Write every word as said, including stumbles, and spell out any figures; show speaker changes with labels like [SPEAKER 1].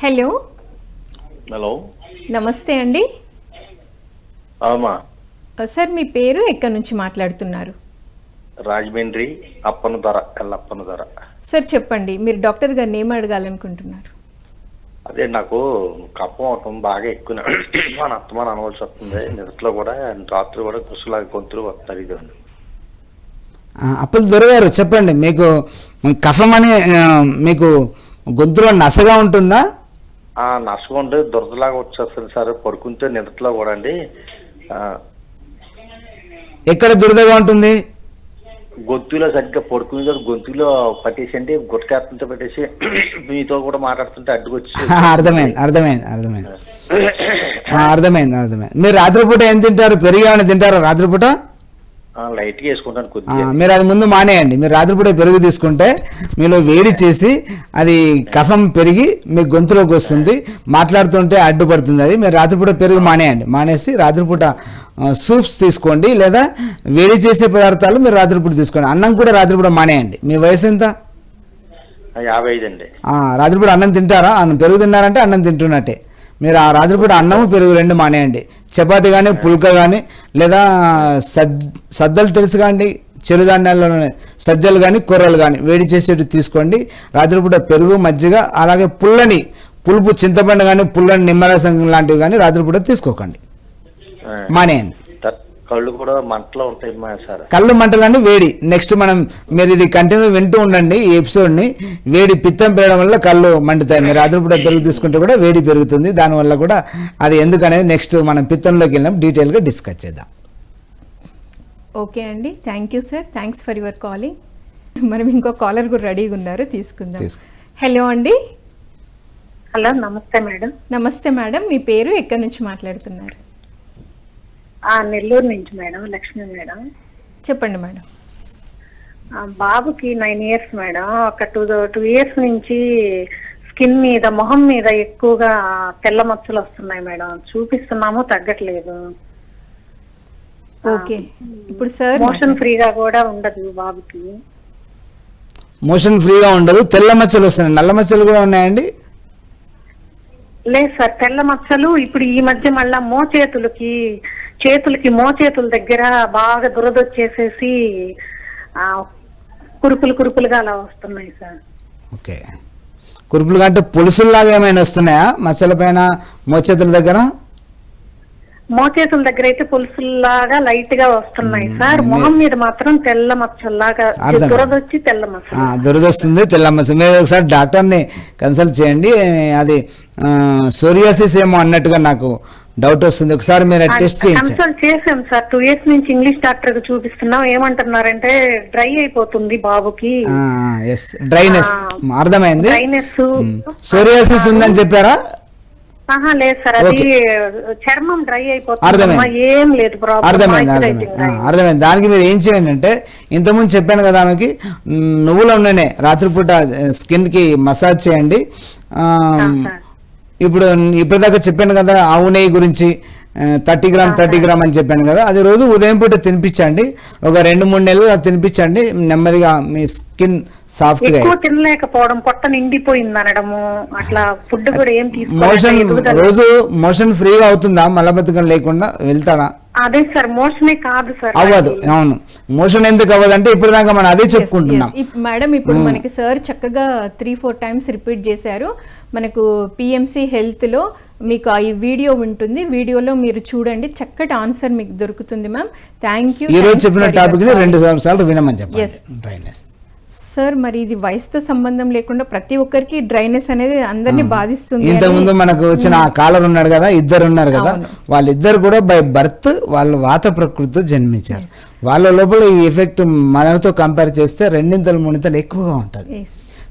[SPEAKER 1] Hello
[SPEAKER 2] hello
[SPEAKER 1] నమస్తే అండి.
[SPEAKER 2] అవుమా
[SPEAKER 1] sir మీ పేరు ఎక్కడి నుంచి మాట్లాడుతున్నారు?
[SPEAKER 2] రాజమండ్రి అప్పన ధర ఎల్లప్పన ధర.
[SPEAKER 1] సార్ చెప్పండి, మీరు డాక్టర్ గారిని ఏం అడగాలనుకుంటున్నారు?
[SPEAKER 2] అదే నాకు కఫం అవటం బాగా ఎక్కువ మన అత్తమాన అనవలసి వస్తుంది. నిద్రలో కూడా రాత్రి కూడా గుసలాగా గొంతులు వస్తారు. ఇది
[SPEAKER 3] అప్పులు దొరగారు చెప్పండి, మీకు కఫం అని మీకు గొంతులో నసగా ఉంటుందా?
[SPEAKER 2] నసగా ఉంటే దురదలాగా వచ్చేస్తుంది సార్. పడుకుంటే నిద్రలో కూడా అండి.
[SPEAKER 3] ఎక్కడ దురదగా ఉంటుంది?
[SPEAKER 2] గొంతులో సరిగ్గా పడుకునే గొంతులో పట్టేసి అంటే గుట్టకారంతో పెట్టేసి మీతో కూడా మాట్లాడుతుంటే అడ్డుకొచ్చి.
[SPEAKER 3] అర్థమైంది అర్థమైంది అర్థమైంది అర్థమైంది అర్థమైంది మీరు రాత్రిపూట ఏం తింటారు? పెరుగు ఏమైనా తింటారా రాత్రిపూట?
[SPEAKER 2] లైట్ గా వేసుకుంటాను కొద్దిగా.
[SPEAKER 3] మీరు అది ముందు మానేయండి. మీరు రాత్రిపూట పెరుగు తీసుకుంటే మీలో వేడి చేసి అది కఫం పెరిగి మీ గొంతులోకి వస్తుంది, మాట్లాడుతుంటే అడ్డుపడుతుంది. అది మీరు రాత్రిపూట పెరుగు మానేయండి. మానేసి రాత్రిపూట సూప్స్ తీసుకోండి, లేదా వేడి చేసే పదార్థాలు మీరు రాత్రిపూట తీసుకోండి. అన్నం కూడా రాత్రిపూట మానేయండి. మీ వయసు ఎంత?
[SPEAKER 2] యాభై ఐదు అండి.
[SPEAKER 3] రాత్రిపూట అన్నం తింటారా? అన్నం పెరుగు తిన్నారంటే అన్నం తింటున్నట్టే. మీరు ఆ రాత్రిపూట అన్నము పెరుగు రెండు మానేయండి. చపాతి కానీ పుల్క కానీ లేదా సద్ సద్దలు తెలుసు కాండి, చిరుధాన్యాల్లో సజ్జలు కానీ కొర్రలు కానీ వేడి చేసేవి తీసుకోండి. రాత్రిపూట పెరుగు మజ్జిగ అలాగే పుల్లని పులుపు చింతపండు కానీ పుల్లని నిమ్మరసం లాంటివి కానీ రాత్రిపూట తీసుకోకండి, మానేయండి.
[SPEAKER 2] కళ్ళు కూడా మంటలో ఉంటాయి సార్.
[SPEAKER 3] కళ్ళు మంటలు వేడి. నెక్స్ట్ మనం మీరు ఇది కంటిన్యూ వింటూ ఉండండి ఈ ఎపిసోడ్ని. వేడి పిత్తం పెరగడం వల్ల కళ్ళు మండుతాయి. మీరు రాత్రిపూట పెరుగు తీసుకుంటే కూడా వేడి పెరుగుతుంది. దానివల్ల కూడా అది ఎందుకనేది నెక్స్ట్ మనం పిత్తంలోకి వెళ్ళినాం డీటెయిల్గా డిస్కస్ చేద్దాం.
[SPEAKER 1] ఓకే అండి, thank you sir, thanks for your calling. మనం ఇంకో కాలర్ కూడా రెడీగా ఉన్నారు, తీసుకుందాం. హలో అండి.
[SPEAKER 4] హలో నమస్తే మేడం.
[SPEAKER 1] నమస్తే మేడం, మీ పేరు ఎక్కడి నుంచి మాట్లాడుతున్నారు?
[SPEAKER 4] నెల్లూరు నుంచి మేడం, లక్ష్మి మేడం.
[SPEAKER 1] చెప్పండి మేడం.
[SPEAKER 4] బాబుకి నైన్ ఇయర్స్ మేడం. ఒక టూ టూ ఇయర్స్ నుంచి స్కిన్ మీద మొహం మీద ఎక్కువగా తెల్ల మచ్చలు వస్తున్నాయి మేడం. చూపిస్తున్నాము, తగ్గట్లేదు.
[SPEAKER 1] ఓకే, ఇప్పుడు సార్
[SPEAKER 4] మోషన్ ఫ్రీగా కూడా ఉండదు బాబుకి.
[SPEAKER 3] మోషన్ ఫ్రీగా ఉండదు, తెల్ల మచ్చలు వస్తున్నాయి. నల్ల మచ్చలు కూడా ఉన్నాయండి?
[SPEAKER 4] లేదు సార్, తెల్ల మచ్చలు ఇప్పుడు ఈ మధ్య మళ్ళా మోచేతులకి చేతులకి మోచేతుల దగ్గర బాగా దురదొచ్చేసేసి కురుపులు కురుపులుగా అలా వస్తున్నాయి సార్.
[SPEAKER 3] ఓకే, కురుపులుగా అంటే పులుసుల్లాగా ఏమైనా వస్తున్నాయా మచ్చల పైన మోచేతుల దగ్గర?
[SPEAKER 4] మోచేతుల దగ్గర అయితే పులుసుల్లాగా లైట్ గా వస్తున్నాయి సార్. మొహం మీద మాత్రం తెల్ల మచ్చల్లాగా దురదొచ్చి తెల్ల మచ్చ
[SPEAKER 3] దురదొస్తుంది, తెల్ల మచ్చ. మీరు ఒకసారి డాక్టర్ని కన్సల్ట్ చేయండి. అది సోరియాసిస్ ఏమో అన్నట్టుగా నాకు డౌట్ వస్తుంది. ఒకసారి మీరు టెస్ట్ చేయండి.
[SPEAKER 4] కన్సల్ట్ చేసాం సార్, టూ ఇయర్స్ నుంచి ఇంగ్లీష్ డాక్టర్ కి చూపిస్తున్నాం. ఏమంటున్నారంటే డ్రై అయిపోతుంది బాబుకి.
[SPEAKER 3] డ్రైనెస్ అర్థమైంది.
[SPEAKER 4] డ్రైనెస్
[SPEAKER 3] సోరియాసిస్ ఉందని చెప్పారా?
[SPEAKER 4] లేదు సార్, అది చర్మం డ్రై అయిపోతుంది. ఏం లేదు ప్రాబ్లం.
[SPEAKER 3] అర్థమైంది అర్థమైంది అర్థమైంది దానికి మీరు ఏం చేయండి అంటే, ఇంతకుముందు చెప్పాను కదా ఆమెకి, నువ్వుల నూనె రాత్రిపూట స్కిన్ కి మసాజ్ చేయండి. ఇప్పుడు ఇప్పటిదాకా చెప్పాను కదా ఆవు నెయ్యి గురించి, థర్టీ గ్రామ్ థర్టీ గ్రామ్ అని చెప్పాను కదా, అది రోజు ఉదయం పూట తినిపించండి. ఒక రెండు మూడు నెలలు తినిపించండి. నెమ్మదిగా మీ స్కిన్ సాఫ్ట్ గా.
[SPEAKER 4] తినలేకపోవడం, పొట్ట నిండిపోయింది అనడము, అట్లా ఫుడ్ కూడా ఏం
[SPEAKER 3] మోషన్ రోజు మోషన్ ఫ్రీగా అవుతుందా? మలబద్ధకం లేకుండా వెళ్తాడా?
[SPEAKER 4] అదే సార్, మోషనే కాదు సార్.
[SPEAKER 3] అవ్వదు. అవును, మోషన్ ఎందుకు అవ్వదు అంటే ఇప్పుడు దాకా మనం అదే చెప్పుకుంటున్నాం
[SPEAKER 1] మేడం. ఇప్పుడు మనకి సార్ చక్కగా త్రీ ఫోర్ టైమ్స్ రిపీట్ చేశారు. మనకు పిఎంసి హెల్త్ లో మీకు ఈ వీడియో ఉంటుంది, వీడియోలో మీరు చూడండి, చక్కటి ఆన్సర్ మీకు దొరుకుతుంది మ్యామ్. Thank you.
[SPEAKER 3] ఈ రోజు చెప్పిన టాపిక్ ని రెండు సార్లు వినమని చెప్పండి. డ్రైనెస్
[SPEAKER 1] సార్, మరి ఇది వయసుతో సంబంధం లేకుండా ప్రతి ఒక్కరికి డ్రైనెస్ అనేది అందరినీ బాధిస్తుంది.
[SPEAKER 3] ఇంతకుముందు మనకు వచ్చిన ఆ కాలర్ ఉన్నాడు కదా, ఇద్దరు ఉన్నారు కదా, వాళ్ళిద్దరు కూడా బై బర్త్ వాళ్ళు వాత ప్రకృతితో జన్మించారు. వాళ్ళ లోపల ఈ ఎఫెక్ట్ మనతో కంపేర్ చేస్తే రెండింతలు మూడింతలు ఎక్కువగా ఉంటుంది.